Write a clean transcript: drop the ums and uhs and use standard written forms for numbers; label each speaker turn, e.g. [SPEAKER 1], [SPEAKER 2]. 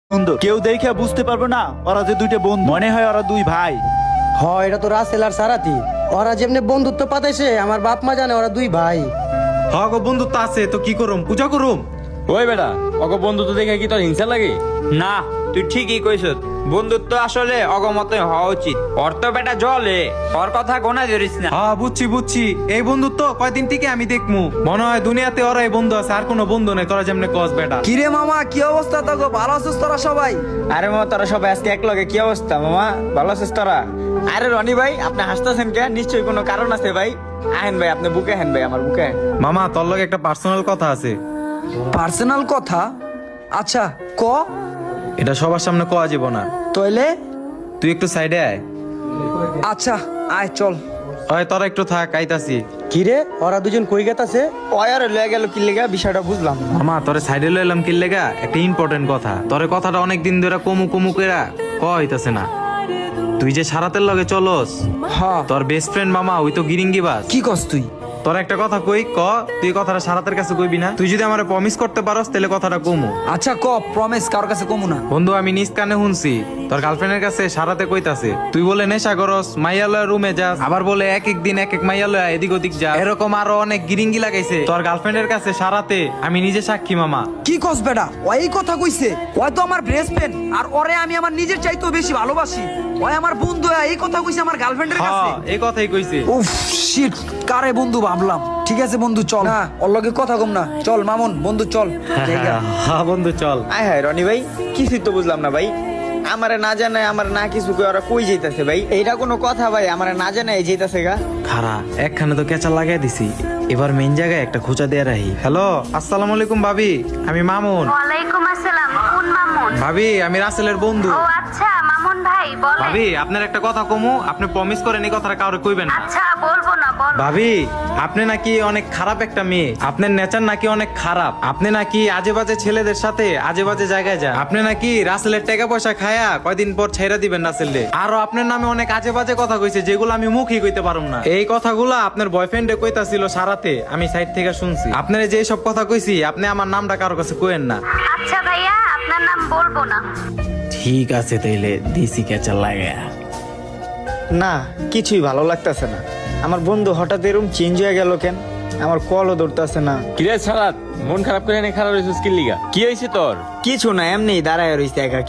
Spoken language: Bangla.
[SPEAKER 1] বন্ধু কেউ দেখে বুঝতে পারবে না ওরা যে দুইটা বন্ধু, মনে হয় ওরা দুই ভাই।
[SPEAKER 2] এটা তো রাসেল আর সারাতি। ওরা যেমনি বন্ধুত্ব পাতাইছে আমার বাপ মা জানে ওরা দুই ভাই।
[SPEAKER 3] গো বন্ধুত্ব আছে তো কি করুম, পূজা করুম।
[SPEAKER 4] ওই বেটা অগ বন্ধুত্ব দেখে কি তোর হিংসা লাগে?
[SPEAKER 5] না, তুই ঠিকই কইছ। বন্ধুত্ব আসলে অগমত হওয়া উচিত। ওর তো বেটা জলে, ওর কথা গোনা ধরিস না।
[SPEAKER 3] হ্যাঁ বুঝছি, এই বন্ধুত্ব কয়দিন থেকে আমি দেখমু। মনে হয় দুনিয়াতে ওরা এই বন্ধু আছে, আর কোনো বন্ধু নেই। তোরা যেমনে কস বেটা।
[SPEAKER 6] কিরে মামা, কি অবস্থা? তো ভালো আছিস তোরা সবাই?
[SPEAKER 5] আরে মামা, তোরা সবাই আজকে এক লগে কি অবস্থা? মামা ভালো আছিস তোরা? আরে রনি ভাই, আপনি হাসতেছেন কে? নিশ্চয়ই কোনো কারণ আছে ভাই। আহেন ভাই, আপনি বুকে হেন ভাই, আমার বুকে হেন।
[SPEAKER 3] মামা তোর লগে একটা পার্সোনাল কথা আছে।
[SPEAKER 6] পার্সোনাল কথা? আচ্ছা ক।
[SPEAKER 3] এটা সবার সামনে কোয়া যাব না।
[SPEAKER 6] তইলে
[SPEAKER 3] তুই একটু সাইডে আয়।
[SPEAKER 6] আচ্ছা আয় চল।
[SPEAKER 3] ওই তোরা একটু থাক, আইতাছি।
[SPEAKER 2] কিরে ওরা দুজন কই গেতাছে?
[SPEAKER 5] ওয়ার লয়ে গেল কি লেগা বিষয়টা বুঝলাম না।
[SPEAKER 3] মামা তোরে সাইডে লইলাম কি লেগা? একটা ইম্পর্টেন্ট কথা। তোরে কথাটা অনেক দিন ধরে কমু কইরা হইতাছে না। তুই যে সারাতের লগে চলস,
[SPEAKER 6] হ্যাঁ।
[SPEAKER 3] তোর বেস্ট ফ্রেন্ড মামা ওই তো গিরিঙ্গি বাস।
[SPEAKER 6] কি কস তুই?
[SPEAKER 3] তোর একটা কথা কই ক, তুই কথাটা সারাতের কাছে কইবি না? তুই যদি আমারে প্রমিস করতে পারস তাহলে কথাটা কমু।
[SPEAKER 6] আচ্ছা ক, প্রমিস কার কাছে কমু না।
[SPEAKER 3] বন্ধু আমি নিজ কানে শুনছি তোর গার্লফ্রেন্ডের কাছে সারাতে কইতাছে তুই বলে নেশা করস, মাইয়ালয় রুমে যাস, আবার বলে এক এক দিন এক এক মাইয়ালয় এদিক ওদিক যা, এরকম আরো অনেক গিরিঙ্গি লাগাইছে তোর গার্লফ্রেন্ডের কাছে সারাতে। আমি নিজে সাক্ষী মামা।
[SPEAKER 6] কি কস বেটা? ওই কথা কইছে? ওই তো আমার বেস্ট ফ্রেন্ড, আর ওরে আমি আমার নিজের চাইতেও বেশি ভালোবাসি। ওই আমার বন্ধু, এই কথা কইছে আমার গার্লফ্রেন্ডের কাছে।
[SPEAKER 3] হ্যাঁ এই কথাই কইছে।
[SPEAKER 6] উফ শিট, কারে বন্ধু ভাবলাম। ঠিক আছে বন্ধু চল। না ওর লগে কথা কম না, চল মামুন বন্ধু চল। জায়গা।
[SPEAKER 3] হ্যাঁ বন্ধু চল।
[SPEAKER 5] আয় হায় রনি ভাই, কিছুই তো বুঝলাম না ভাই। আমারে না জানায়, আমার না কিছু কই ওরা কই যাইতাছে ভাই? এইটা কোনো কথা ভাই? আমারে না জানায় যাইতাছে গা?
[SPEAKER 3] খারা একখানে তো কেঁচা লাগাই দিছি, এবার মেইন জায়গায় একটা খোঁচা দিয়ে রাখি। হ্যালো আসসালামু আলাইকুম ভাবি, আমি মামুন।
[SPEAKER 7] ওয়ালাইকুম আসসালাম। কোন মামুন?
[SPEAKER 3] ভাবি আমি রাসেলের বন্ধু।
[SPEAKER 7] ও আচ্ছা, মামুন ভাই বলেন।
[SPEAKER 3] ভাবি আপনার একটা কথা কমু, আপনি প্রমিস করেন এই কথাটা কাউরে কইবেন না।
[SPEAKER 7] আচ্ছা বলবো না, বল।
[SPEAKER 3] ভাবি আপনি নাকি অনেক খারাপ একটা মেয়ে, আপনার নেচার নাকি অনেক খারাপ, আপনি নাকি আজে বাজে ছেলেদের সাথে আজে বাজে জায়গায় যান, আপনি নাকি রাসেলের টাকা পয়সা খায়া কয়দিন পর ছেড়ে দিবেন রাসেলরে। আরো আপনার নামে অনেক আজে বাজে কথা কইছে যেগুলো আমি মুখই কইতে পারুম না। এই কথাগুলো আপনার বয়ফ্রেন্ডে কইতাছিল সারাতে, আমি সাইড থেকে শুনছি। আপনার যে সব কথা কইছি আপনি আমার নামটা কারো কাছে কইেন না।
[SPEAKER 7] আচ্ছা ভাইয়া, আপনার নাম বলবো না।
[SPEAKER 3] ঠিক আছে তাইলে দিছি কেঁচা লাগা।
[SPEAKER 5] না, কিছুই ভালো লাগতেছে না। আমার বন্ধু হঠাৎ এরকম চেঞ্জ হয়ে গেল কেন? আমার কলও ধরতেছে না।
[SPEAKER 4] কিরে সারাত, মন খারাপ করে এনে খারাপ হয়েছিস কি লিগা? কি হয়েছে তোর?
[SPEAKER 5] কিছু না, এমনি দাঁড়ায় রইছে একা।